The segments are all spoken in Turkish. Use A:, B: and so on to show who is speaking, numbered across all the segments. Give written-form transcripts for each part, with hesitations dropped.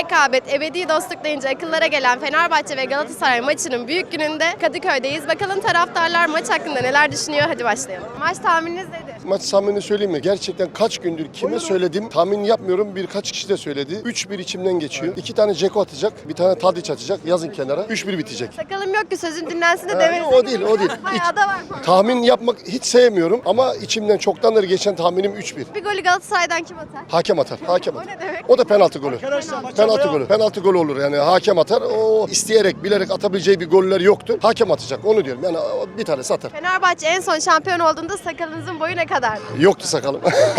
A: rekabet, ebedi dostluk deyince akıllara gelen Fenerbahçe ve Galatasaray maçının büyük gününde Kadıköy'deyiz. Bakalım taraftarlar maç hakkında neler düşünüyor? Hadi başlayalım. Maç tahmininiz nedir?
B: Maç tahminini söyleyeyim mi? Gerçekten kaç gündür kime söyledim tahmin yapmıyorum. Birkaç kişi de söyledi. 3-1 içimden geçiyor. 2 tane Ceko atacak. Bir tane Tadiç atacak. Yazın kenara. 3-1 bitecek.
A: Sakalım yok ki sözün dinlensin de demeniz.
B: O değil.
A: Bayağı da var.
B: Tahmin yapmak hiç sevmiyorum ama içimden çoktandır geçen tahminim 3-1.
A: Bir golü Galatasaray'dan kim atar?
B: Hakem atar. Hakem
A: O
B: atar.
A: ne demek?
B: O da penaltı golü. Penaltı golü olur yani hakem atar. O isteyerek, bilerek atabileceği bir goller yoktur. Hakem atacak. Onu diyorum. Yani bir tanesi atar.
A: Fenerbahçe en son şampiyon olduğunda sakalınızın boyu ne kadar?
B: Yoktu sakalım.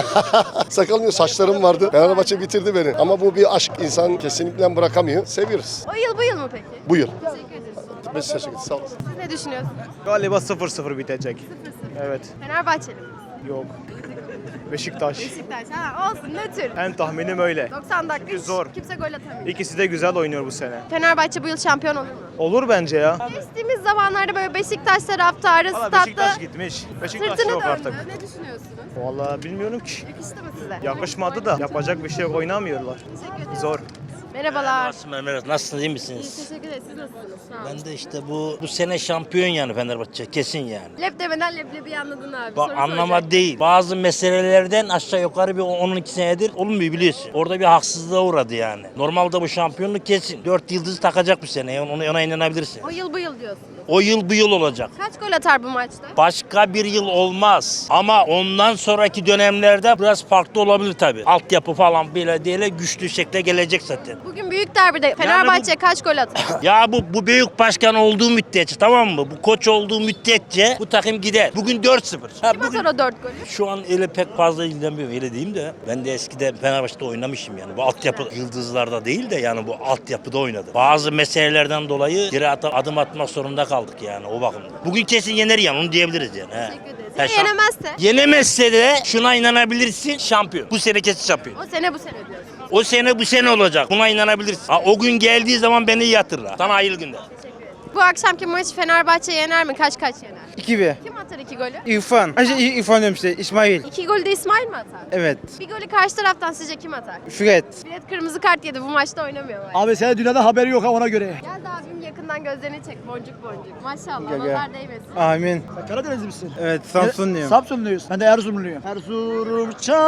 B: Sakalım yok, saçlarım vardı. Fenerbahçe bitirdi beni. Ama bu bir aşk. İnsan kesinlikle bırakamıyor. Seviyoruz.
A: O yıl bu yıl mı peki?
B: Bu yıl.
A: Teşekkür ederiz.
B: Biz teşekkür ederiz. Sağ olasın.
A: Siz ne düşünüyorsunuz?
C: Galiba 0-0 bitecek.
A: 0-0.
C: Evet.
A: Fenerbahçeli mi?
C: Yok. Beşiktaş.
A: Beşiktaş. Ha, olsun nötr.
C: En tahminim öyle.
A: 90 dakika hiç
C: zor.
A: kimse gol atamıyor.
C: İkisi de güzel oynuyor bu sene.
A: Fenerbahçe bu yıl şampiyon olur mu?
C: Olur bence ya.
A: Geçtiğimiz zamanlarda böyle Beşiktaş taraftarı
C: Valla
A: statta
C: Beşiktaş gitmiş. Beşiktaş
A: sırtını
C: yok
A: döndü.
C: artık.
A: Ne düşünüyorsunuz?
C: Vallahi bilmiyorum ki.
A: Yakıştı mı size?
C: Yakışmadı da yapacak bir şey yok, oynamıyorlar.
A: Teşekkür ederim.
C: Zor.
A: Merhabalar.
D: Merhaba, nasılsınız, iyi misiniz?
A: Teşekkür ederiz. Siz nasılsınız? Sağ olun.
D: Ben de işte bu sene şampiyon yani Fenerbahçe, kesin yani.
A: Lep demeden leblebi anladın abi.
D: Bak
A: Soru
D: anlama
A: soracak.
D: değil. Bazı meselelerden aşağı yukarı bir 10-12 senedir olmuyor biliyorsun. Orada bir haksızlığa uğradı yani. Normalde bu şampiyonluk kesin. 4 yıldız takacak bu sene. Ona inanabilirsin.
A: O yıl bu yıl diyorsunuz.
D: O yıl bu yıl olacak.
A: Kaç gol atar bu maçta?
D: Başka bir yıl olmaz. Ama ondan sonraki dönemlerde biraz farklı olabilir tabii. Altyapı falan böyle değil güçlü şekilde gelecek zaten.
A: Bugün büyük derbide Fenerbahçe kaç gol atar?
D: Ya bu büyük başkan olduğu müddetçe tamam mı? Bu koç olduğu müddetçe bu takım gider. Bugün 4-0. Ha,
A: Kim atar o 4 golü?
D: şu an öyle pek fazla ilgilenmiyorum öyle diyeyim de. Ben de eskiden Fenerbahçe'de oynamışım yani. Bu altyapı yıldızlarda değil de yani bu altyapıda oynadı. Bazı meselelerden dolayı geri adım atmak zorunda kaldık yani o bakımdan. Bugün kesin yener yani onu diyebiliriz yani. He.
A: Teşekkür ederiz.
D: Ha,
A: Ya yenemezse?
D: Yenemezse de şuna inanabilirsin şampiyon. Bu sene kesin şampiyon.
A: O sene bu sene diyorsunuz.
D: O sene bu sene olacak. Buna inanabilirsin. Ha, o gün geldiği zaman beni yatırlar. Sana hayırlı günler.
A: Bu akşamki maçı Fenerbahçe yener mi? Kaç yener?
E: 2-1.
A: Kim atar 2 golü?
E: İrfan. İrfan diyorum işte. İsmail.
A: 2 golü de İsmail mi atar?
E: Evet.
A: Bir golü karşı taraftan sizce kim atar?
E: Fred.
A: Fred kırmızı kart yedi. Bu maçta oynamıyor. Abi.
F: Abi senin dünyada haberi yok ha ona göre.
A: Gel de abim yakından gözlerini çek. Boncuk boncuk. Maşallah.
E: Gel, gel.
A: Nazar değmesin.
E: Amin.
F: Sen Karadenizli misin?
E: Evet, Samsunluyum.
F: Samsunluyuz. Ben de Erzurumluyum. Erzurum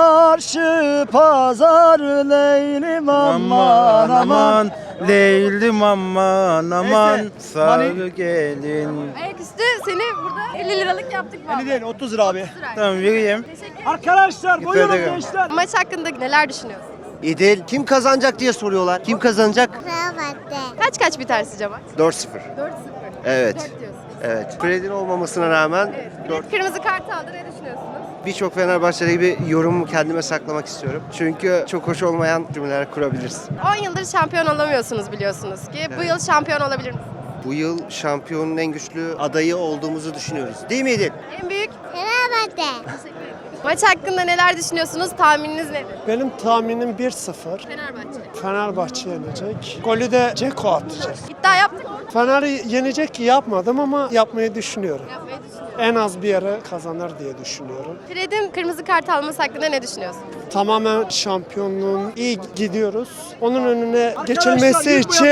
F: çarşı pazar leylim aman aman.
E: Leylim aman aman.
F: Neyse,
E: Sağ
F: hani-
E: gelin.
A: Ayaküstü seni burada 50 liralık yaptık.
F: Beni
A: vallahi.
F: değil 30 lira abi.
E: Tamam vereyim.
A: Teşekkür ederim.
F: Arkadaşlar buyurun
E: ederim.
F: gençler.
A: Maç hakkında neler düşünüyorsun?
G: İdil. Kim kazanacak diye soruyorlar. Kim kazanacak?
A: Kaç biter sizce maç?
G: 4-0.
A: 4-0.
G: Evet.
A: 4 diyorsun.
G: Evet. Fred'in olmamasına rağmen
A: Fred kırmızı kart aldı. Ne düşünüyorsunuz?
G: birçok Fenerbahçeli gibi yorumumu kendime saklamak istiyorum. Çünkü çok hoş olmayan cümleler kurabilirsin.
A: 10 yıldır şampiyon olamıyorsunuz biliyorsunuz ki. Bu yıl şampiyon olabilir misiniz?
G: Bu yıl şampiyonun en güçlü adayı olduğumuzu düşünüyoruz. Değil mi İdil?
A: En büyük? Fenerbahçe. Maç hakkında neler düşünüyorsunuz? Tahmininiz nedir?
H: Benim tahminim 1-0.
A: Fenerbahçe.
H: Fenerbahçe yenecek. Golü de Ceko atacak.
A: İddia yaptık mı?
H: Fener'i yenecek ki yapmadım ama yapmayı düşünüyorum.
A: Yapmayı düşünüyorum.
H: En az bir yere kazanır diye düşünüyorum.
A: Fred'in kırmızı kart alması hakkında ne düşünüyorsun?
H: Tamamen şampiyonluğun iyi gidiyoruz. Onun önüne geçilmesi için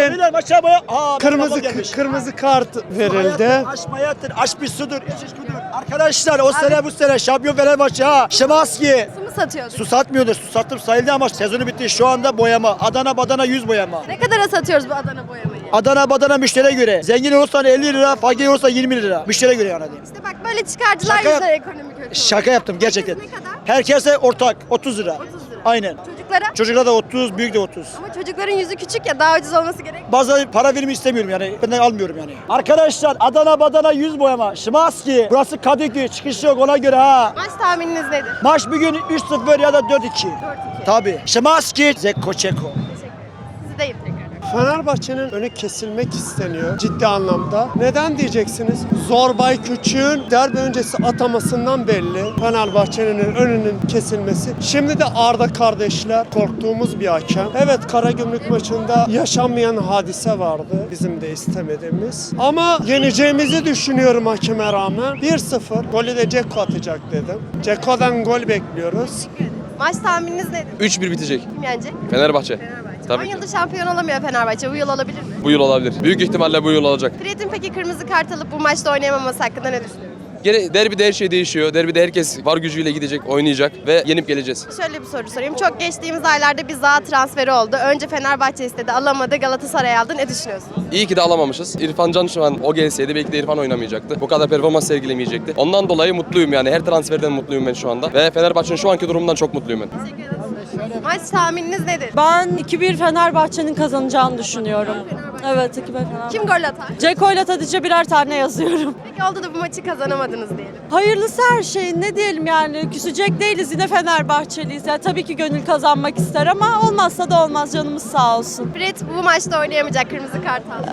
H: kırmızı kart verildi.
F: Aşmayattır, aş bir sudur, iç içkudur. Arkadaşlar o sene bu sene şampiyon Fenerbahçe ha. Şimanski.
A: Su mu satıyorduk?
F: Su satmıyordur, su sattım sayıldı ama sezonu bitti. Şu anda boyama. Adana badana 100 boyama.
A: Ne kadara satıyoruz bu Adana boyamayı?
F: Adana badana müşteriye göre. Zengin olursan 50 lira, fakir olursa 20 lira. Müşteriye göre yani.
A: İşte bak böyle çıkarcılar
F: Şaka yap-
A: yüzünden ekonomi kötü.
F: Şaka yaptım gerçekten.
A: Ne kadar?
F: Herkese ortak 30 lira.
A: 30 lira.
F: Aynen.
A: Çocuklara?
F: Çocuklar da 30, büyük de 30.
A: Ama çocukların yüzü küçük ya daha ucuz olması gerek.
F: Bazıları para verimi istemiyorum yani. Benden almıyorum yani. Arkadaşlar Adana badana 100 boyama. Şimanski. Burası Kadıköy. Çıkış yok ona göre ha.
A: Maç tahmininiz nedir?
F: Maç bir gün 3-0 ya da 4-2.
A: 4-2.
F: Tabii. Şimanski. Zeko Çeko.
A: Teşekkür ederim. Sizdeyim tekrar.
H: Fenerbahçe'nin önü kesilmek isteniyor ciddi anlamda. Neden diyeceksiniz? Zorbay Küçük'ün derbi öncesi atamasından belli. Fenerbahçe'nin önünün kesilmesi. Şimdi de Arda kardeşler korktuğumuz bir hakem. Evet Karagümrük maçında yaşanmayan hadise vardı. Bizim de istemediğimiz. Ama yeneceğimizi düşünüyorum hakeme rağmen. 1-0. Golü de Ceko atacak dedim. Ceko'dan gol bekliyoruz.
A: Maç tahmininiz nedir?
I: 3-1 bitecek.
A: Kim yenecek?
I: Fenerbahçe.
A: Fenerbahçe. 10
I: Tabii ki.
A: yıldır şampiyon olamıyor Fenerbahçe. Bu yıl olabilir mi?
I: Bu yıl olabilir. Büyük ihtimalle bu yıl olacak.
A: Fred'in peki kırmızı kart alıp bu maçta oynayamaması hakkında ne düşünüyorsun?
I: Gene derbide her şey değişiyor. Derbide herkes var gücüyle gidecek, oynayacak ve yenip geleceğiz.
A: Şöyle bir soru sorayım. Çok geçtiğimiz aylarda bir Zaha transferi oldu. Önce Fenerbahçe istedi, alamadı. Galatasaray aldı. Ne düşünüyorsun?
I: İyi ki de alamamışız. İrfan Can şu an o gelseydi belki de İrfan oynamayacaktı. Bu kadar performans sergilemeyecekti. Ondan dolayı mutluyum yani. Her transferden mutluyum ben şu anda. Ve Fenerbahçe'nin şu anki durumundan çok mutluyum ben.
A: Maç tahmininiz nedir?
J: Ben 2-1 Fenerbahçe'nin kazanacağını düşünüyorum. Evet 2-1 Fenerbahçe.
A: Kim gol atar?
J: Ceko ile Tadic'e birer tane yazıyorum.
A: Peki oldu da bu maçı kazanamadınız diyelim.
J: Hayırlısı her şey. Ne diyelim yani küsecek değiliz yine Fenerbahçeliyiz. Yani tabii ki gönül kazanmak ister ama olmazsa da olmaz canımız sağ olsun.
A: Fred bu maçta oynayamayacak, kırmızı kart aldı.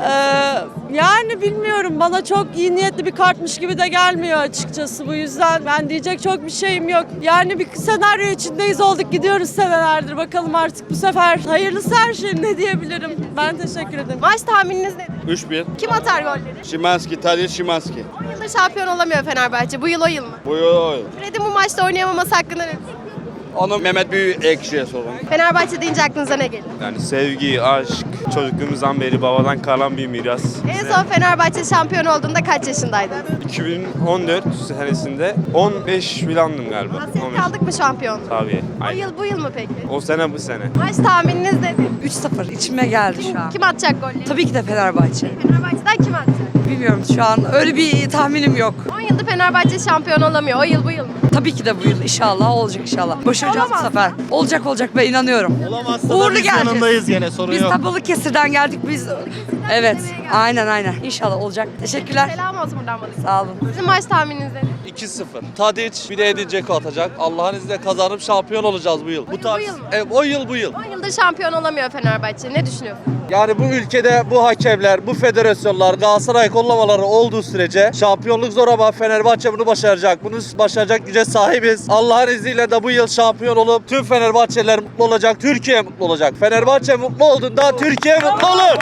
J: Yani bilmiyorum bana çok iyi niyetli bir kartmış gibi de gelmiyor açıkçası. Bu yüzden ben diyecek çok bir şeyim yok. Yani bir senaryo içindeyiz olduk gidiyoruz senelerdir. Bakalım artık bu sefer hayırlısı her şey ne diyebilirim. Ben teşekkür ederim.
A: Maç tahmininiz nedir?
E: 3-1.
A: Kim atar golleri?
E: Şimanski, Tadic, Şimanski.
A: 10 yıldır şampiyon olamıyor Fenerbahçe. Bu yıl o yıl mı?
E: Bu yıl.
A: Fred'in bu maçta oynayamaması hakkında ne düşünüyorsun?
E: Onu Mehmet Büyükekşi'ye sorun.
A: Fenerbahçe deyince aklınıza ne geliyor?
K: Yani sevgi, aşk, çocukluğumuzdan beri babadan kalan bir miras.
A: En son Fenerbahçe şampiyon olduğunda kaç yaşındaydınız?
K: 2014 senesinde 15 filandım galiba.
A: Hasret
K: 15.
A: kaldık mı şampiyon?
K: Tabii.
A: O
K: Aynen.
A: yıl bu yıl mı peki?
K: O sene bu sene.
A: Maç tahmininiz nedir?
L: 3-0 içime geldi şu an.
A: Kim atacak golleri?
L: Tabii ki de Fenerbahçe.
A: Fenerbahçe'den kim atacak?
L: Bilmiyorum şu an öyle bir tahminim yok.
A: 10 yıldır Fenerbahçe şampiyon olamıyor. O yıl bu yıl mı?
L: Tabii ki de bu yıl inşallah olacak inşallah. Başaracağız bu
A: Olamaz.
L: sefer. Olacak ben inanıyorum.
E: Olamazsa
L: Uğurlu
E: da biz
L: geleceğiz.
E: yanındayız gene sorun
L: Biz
E: yok.
L: de Balıkesir'den geldik biz. Evet aynen İnşallah olacak. Teşekkürler.
A: Selam olsun buradan bana.
L: Sağ olun.
A: Sizin maç tahmininiz nedir?
M: 2-0. Tadic bir de Edin Dzeko atacak. Allah'ın izniyle kazanıp şampiyon olacağız bu yıl.
A: Bu yıl mı?
M: Evet, o yıl bu yıl.
A: 10 yıldır şampiyon olamıyor Fenerbahçe. Ne düşünüyorsun?
M: Yani bu ülkede bu hakemler, bu federasyonlar, Galatasaray kollamaları olduğu sürece şampiyonluk zor ama Fenerbahçe bunu başaracak. Bunu başaracak güce sahibiz. Allah'ın izniyle de bu yıl şampiyon olup tüm Fenerbahçeliler mutlu olacak. Türkiye mutlu olacak. Fenerbahçe mutlu olduğunda Türkiye mutlu olur.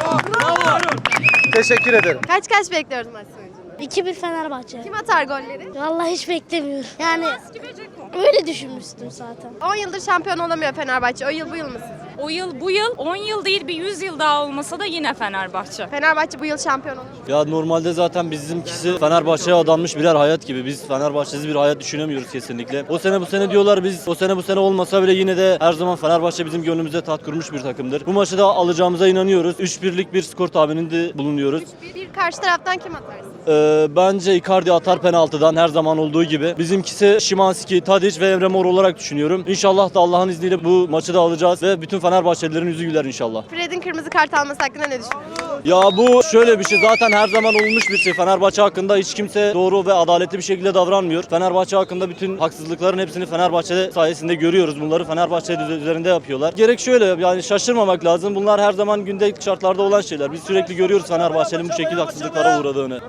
M: Teşekkür ederim.
A: Kaç bekliyoruz maç sonucunda?
N: 2-1 Fenerbahçe.
A: Kim atar golleri?
N: Vallahi hiç beklemiyorum. Yani öyle düşünmüştüm zaten.
A: 10 yıldır şampiyon olamıyor Fenerbahçe. O yıl bu yıl mı sizce?
J: O yıl bu yıl 10 yıl değil bir 100 yıl daha olmasa da yine Fenerbahçe.
A: Fenerbahçe bu yıl şampiyon olur.
E: Ya normalde zaten bizimkisi Fenerbahçe'ye adanmış birer hayat gibi. Biz Fenerbahçe'siz bir hayat düşünemiyoruz kesinlikle. O sene bu sene diyorlar biz o sene bu sene olmasa bile yine de her zaman Fenerbahçe bizim gönlümüze tat kurmuş bir takımdır. Bu maçı da alacağımıza inanıyoruz. 3-1'lik bir skor tahmininde bulunuyoruz.
A: Bir karşı taraftan kim atarsın?
E: Bence Icardi atar penaltıdan her zaman olduğu gibi. Bizimkisi Şimanski, Tadic ve Emre Mor olarak düşünüyorum. İnşallah da Allah'ın izniyle bu maçı da alacağız ve bütün Fenerbahçelilerin yüzü güler inşallah.
A: Fred'in kırmızı kart alması hakkında ne düşünüyorsun?
E: Ya bu şöyle bir şey zaten her zaman olmuş bir şey. Fenerbahçe hakkında hiç kimse doğru ve adaletli bir şekilde davranmıyor. Fenerbahçe hakkında bütün haksızlıkların hepsini Fenerbahçe sayesinde görüyoruz. Bunları Fenerbahçe üzerinde yapıyorlar. Gerek şöyle yani şaşırmamak lazım. Bunlar her zaman gündelik şartlarda olan şeyler. Biz sürekli görüyoruz Fenerbahçe'nin bu şekilde haksızlıklara uğradığını.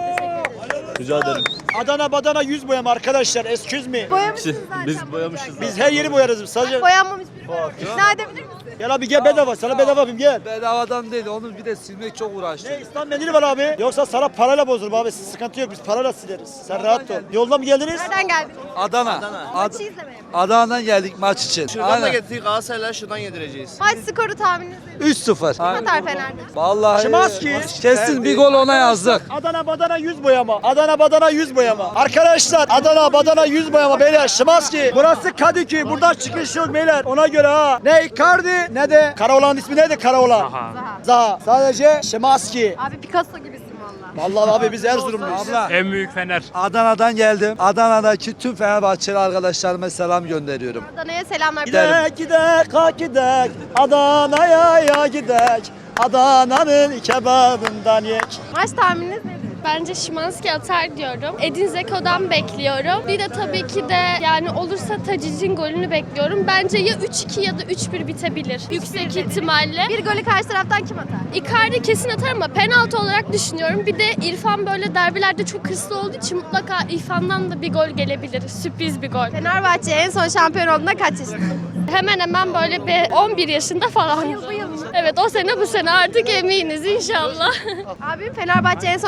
E: Rica ederim.
F: Adana badana 100 boyama arkadaşlar. Excuse me.
A: Boyamışsınız zaten.
E: Biz boyamışız.
F: Biz her yeri boyarız. Sadece
A: Boyanmamış biri var. İkna edebilir misin?
F: gel abi gel bedava. Sana bedava yapayım gel.
M: Bedavadan değil, onu bir de silmek çok uğraştı.
F: Ne İslam mendili var abi. Yoksa sana parayla bozulurum abi. Sıkıntı yok biz parayla sileriz. Sen rahat ol. Yoldan mı geldiniz?
A: Nereden geldiniz?
M: Adana.
A: Maçı izlemeye mi?
M: Adana'dan geldik maç için.
G: Şuradan da getirdik Galatasaray'la şuradan yedireceğiz.
A: Maç skoru tahmininiz nedir?
M: 3-0.
A: Kim atar Fener'de?
M: Vallahi
F: Şimanski.
M: kesin bir gol ona yazdık.
F: Adana badana 100 boyama. Adana badana 100 boyama. Arkadaşlar Adana badana 100 boyama beyler. Şimanski. Burası Kadıköy. Buradan çıkış yok beyler. Ona göre ha. Ne Icardi ne de Karaoğlan'ın ismi neydi? Karaoğlan. Zaha. Sadece Şimanski.
A: Abi Picasso gibisin valla.
F: Vallahi abi biz Erzurumluyuz.
C: En büyük Fener.
M: Adana'dan geldim. Adana'daki tüm Fenerbahçeli arkadaşlarıma selam gönderiyorum.
A: Adana'ya selamlar.
F: Gidek gidek ha gidek. Adana'ya ya gidek. Adana'nın kebabından yek.
A: Maç tahmininiz nedir?
N: Bence Şimanski atar diyorum. Edin Dzeko'dan bekliyorum. Bir de tabii ki de yani olursa Tadic'in golünü bekliyorum. Bence ya 3-2 ya da 3-1 bitebilir. Yüksek ihtimalle.
A: Bir golü karşı taraftan kim atar?
N: Icardi kesin atar ama penaltı olarak düşünüyorum. Bir de İrfan böyle derbilerde çok hırslı olduğu için mutlaka İrfan'dan da bir gol gelebilir. Sürpriz bir gol.
A: Fenerbahçe en son şampiyon olduğunda kaç yaşında?
N: Hemen hemen böyle bir 11 yaşında falan.
A: Bu yıl mı?
N: Evet o sene bu sene artık eminiz inşallah.
A: Abi Fenerbahçe en son şampiyon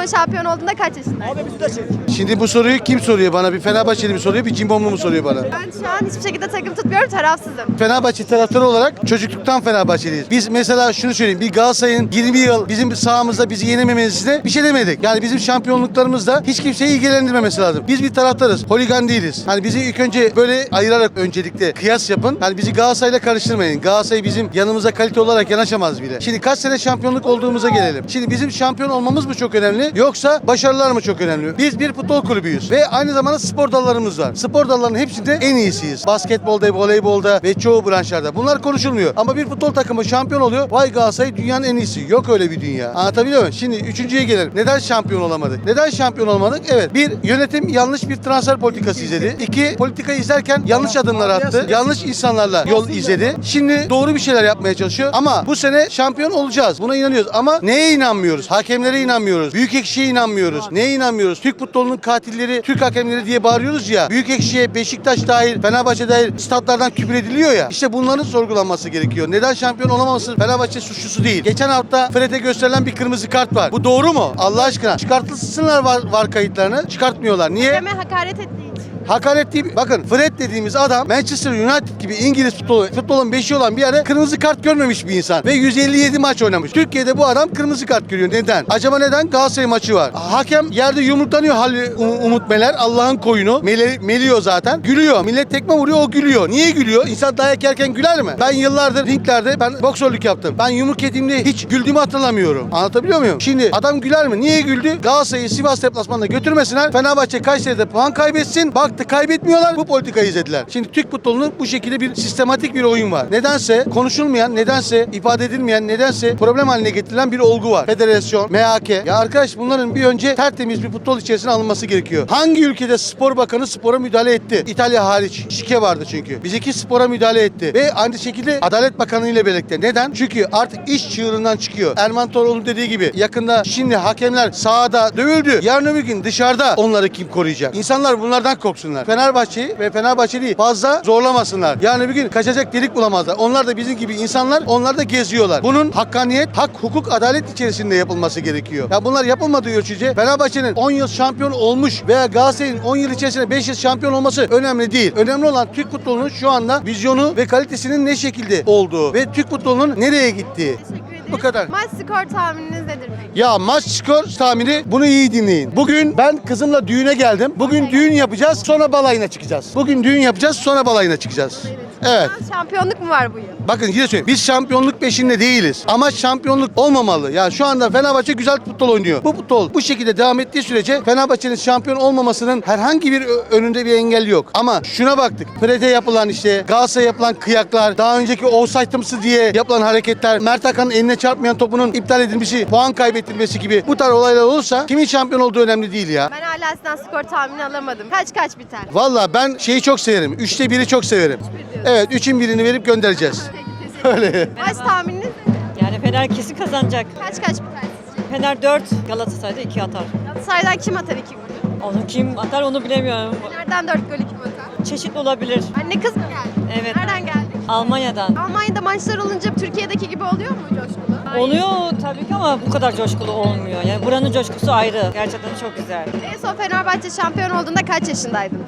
A: olduğunda kaç yaşındaydın?
F: Abi bizi de çek.
O: Şimdi bu soruyu kim soruyor bana? Bir Fenerbahçeli mi soruyor, bir Cimbomlu mu soruyor bana?
A: Ben şu an hiçbir şekilde takım tutmuyorum, tarafsızım.
O: Fenerbahçe taraftarı olarak çocukluktan Fenerbahçeliyiz. Biz mesela şunu söyleyeyim, bir Galatasaray'ın 20 yıl bizim sahamızda bizi yenememesine bir şey demedik. Yani bizim şampiyonluklarımızda hiç kimseyi ilgilendirmemesi lazım. Biz bir taraftarız, holigan değiliz. Hani bizi ilk önce böyle ayırarak öncelikle kıyas yapın. Hani bizi Galatasaray'la karıştırmayın. Galatasaray bizim yanımıza kalite olarak yanaşamaz bile. Şimdi kaç sene şampiyonluk olduğumuza gelelim. Şimdi bizim şampiyon olmamız mı çok önemli yoksa başarılar mı çok önemli? Biz bir futbol kulübüyüz ve aynı zamanda spor dallarımız var. Spor dallarının hepsinde en iyisiyiz. Basketbolda, voleybolda ve çoğu branşlarda. Bunlar konuşulmuyor. Ama bir futbol takımı şampiyon oluyor. Vay Galatasaray dünyanın en iyisi. Yok öyle bir dünya. Anlatabiliyor muyum? Şimdi üçüncüye gelelim. Neden şampiyon olamadık? Neden şampiyon olamadık? Evet. Bir, yönetim yanlış bir transfer politikası izledi. İki, politikayı izlerken yanlış adımlar attı. Yanlış insanlarla yol izledi. Şimdi doğru bir şeyler yapmaya çalışıyor. Ama bu sene şampiyon olacağız. Buna inanıyoruz. Ama neye inanmıyoruz? Hakemlere inanmıyoruz. Büyükekşi'ye inanmıyoruz. Neye inanmıyoruz? Türk futbolunun katilleri, Türk hakemleri diye bağırıyoruz ya. Büyükekşi'ye, Beşiktaş dahil, Fenerbahçe dahil statlardan küfür ediliyor ya. İşte bunların sorgulanması gerekiyor. Neden şampiyon olamaması Fenerbahçe suçlusu değil. Geçen hafta Fred'e gösterilen bir kırmızı kart var. Bu doğru mu? Allah aşkına. Çıkartılsınlar var kayıtlarını. Çıkartmıyor. Niye?
A: Hakeme hakaret ettiği için.
O: Hakaret değil. Bakın Fred dediğimiz adam Manchester United gibi İngiliz futbolun beşi olan bir yerde kırmızı kart görmemiş bir insan. Ve 157 maç oynamış. Türkiye'de bu adam kırmızı kart görüyor. Neden? Acaba neden? Galatasaray maçı var. Hakem yerde yumruklanıyor Umut Meler. Allah'ın koyunu. Meliyor zaten. Gülüyor. Millet tekme vuruyor, o gülüyor. Niye gülüyor? İnsan dayak yerken güler mi? Ben yıllardır ringlerde boksörlük yaptım. Ben yumruk yediğimde hiç güldüğümü hatırlamıyorum. Anlatabiliyor muyum? Şimdi adam güler mi? Niye güldü? Galatasaray'ı Sivas deplasmanına götürmesinler. Fenerbahçe Kayseri'de puan kaybetsin. Baktı kaybetmiyorlar. Bu politikayı izlediler. Şimdi Türk futbolunun bu şekilde bir sistematik bir oyun var. Nedense konuşulmayan, nedense ifade edilmeyen, nedense problem haline getirilen bir olgu var. Federasyon, MHK. Ya arkadaş bunların bir önce tertemiz bir futbol içerisine alınması gerekiyor. Hangi ülkede spor bakanı spora müdahale etti? İtalya hariç. Şike vardı çünkü. Bizdeki spora müdahale etti. Ve aynı şekilde Adalet Bakanı ile birlikte. Neden? Çünkü artık iş çığırından çıkıyor. Erman Toroğlu'nun dediği gibi yakında şimdi hakemler sahada dövüldü. Yarın öbür gün dışarıda onları kim koruyacak? İnsanlar bunlardan korksunlar. Fenerbahçe'yi ve Fenerbahçeli'yi fazla zorlamasınlar. Yani bir gün kaçacak delik bulamazlar. Onlar da bizim gibi insanlar, onlar da geziyorlar. Bunun hakkaniyet, hak, hukuk, adalet içerisinde yapılması gerekiyor. Ya bunlar yapılmadığı ölçüde Fenerbahçe'nin 10 yıl şampiyon olmuş veya Galatasaray'ın 10 yıl içerisinde 5 yıl şampiyon olması önemli değil. Önemli olan Türk futbolunun şu anda vizyonu ve kalitesinin ne şekilde olduğu ve Türk futbolunun nereye gittiği. Bu kadar.
A: Maç skor tahmininiz nedir peki?
O: Ya maç skor tahmini, bunu iyi dinleyin. Bugün ben kızımla düğüne geldim. Bugün düğün yapacağız, sonra balayına çıkacağız. Bugün düğün yapacağız, sonra balayına çıkacağız. Evet.
A: Şampiyonluk mu var bu yıl?
O: Bakın yine söyleyeyim. Biz şampiyonluk peşinde değiliz. Ama şampiyonluk olmamalı. Yani şu anda Fenerbahçe güzel futbol oynuyor. Bu futbol bu şekilde devam ettiği sürece Fenerbahçe'nin şampiyon olmamasının herhangi bir önünde bir engel yok. Ama şuna baktık. Fred'e yapılan işte Galatasaray'a yapılan kıyaklar, daha önceki offside'ımsı diye yapılan hareketler, Mert Hakan'ın eline çarpmayan topunun iptal edilmesi, puan kaybettirmesi gibi bu tarz olaylar olursa kimin şampiyon olduğu önemli değil ya.
A: Ben hala sizden skor tahmini alamadım. Kaç biter?
O: Valla ben şeyi çok severim. 3'te 1'i çok severim. Evet, 3'ün birini verip göndereceğiz. Öyle.
A: Maç tahmininiz nedir?
J: Yani Fener kesin kazanacak.
A: Kaç biter sizce?
J: Fener 4, Galatasaray'da 2 atar.
A: Galatasaray'dan kim atar 2 golü?
J: Onu kim atar onu bilemiyorum.
A: Nereden 4 golü kim atar?
J: Çeşitli olabilir.
A: Anne kız mı geldi?
J: Evet.
A: Nereden geldik?
J: Almanya'dan.
A: Almanya'da maçlar olunca Türkiye'deki gibi oluyor mu coşkulu?
J: Oluyor tabii ki ama bu kadar coşkulu olmuyor. Yani buranın coşkusu ayrı. Gerçekten çok güzel.
A: En son Fenerbahçe şampiyon olduğunda kaç yaşındaydınız?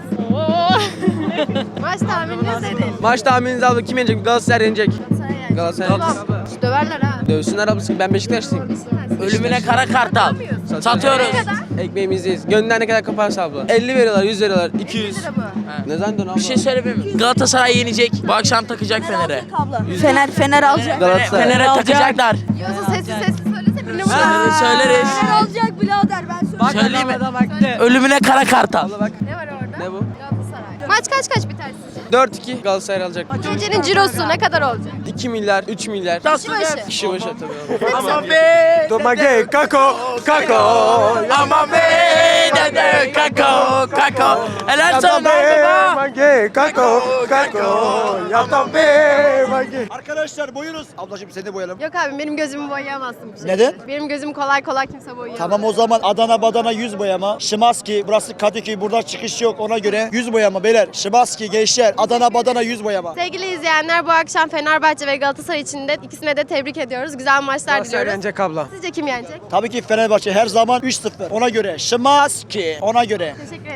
A: Maç tahmininiz nedir?
G: Maç tahmininizi abla kim yenecek? Galatasaray yenecek. Galatasaray
A: Tamam. Döverler ha.
G: Dövsünler ablası, ben Beşiktaşlıyım.
L: Ölümüne kara kartal. Satıyoruz.
A: Ne kadar?
G: Ekmeğimizdeyiz. Gönlünden ne kadar kaparsa abla. 50 veriyorlar, 100 veriyorlar, 200.
A: Lira bu.
G: Ne zannediyorsun abla?
L: Bir şey söyleyeyim mi? Galatasaray yenecek. Bu akşam takacak Fener'e.
J: Fener alacak.
G: Galatasaray.
L: Fener'e takacaklar.
A: Yiyorsa sessiz söylese birini
L: Söyleriz.
J: alacak birader ben
L: Söyleyeyim mi? Ölümüne kara kartal.
A: Ne var orada?
G: Ne bu?
A: Galatasaray. Maç kaç biter sizce?
G: 4-2 Galatasaray alacak.
A: Gecenin cirosu ne kadar olacak?
G: 2 milyar, 3 milyar.
A: Kişi başı.
G: Kişi başı tabii abi.
L: Aman be.
F: Domage, kako, kako.
L: Aman be. Dede kako kako. Helal sana baba.
F: Mange, kako, kako. Yaptan be, mange. Arkadaşlar boyunuz. Ablacığım seni de boyayalım.
A: Yok abi benim gözümü boyayamazsın bir şey.
F: Neden?
A: Benim gözümü kolay kimse boyayamaz.
F: Tamam o zaman Adana badana 100 boyama. Şimanski burası Kadıköy, buradan çıkış yok ona göre 100 boyama beyler. beyler. Şimanski gençler. Adana badana yüz boyama.
A: Sevgili izleyenler, bu akşam Fenerbahçe ve Galatasaray için de ikisine de tebrik ediyoruz. Güzel maçlar diliyoruz.
G: abla.
A: Sizce kim yenecek?
F: Tabii ki Fenerbahçe her zaman 3-0. Ona göre. Şimanski. Ona göre.
A: Teşekkür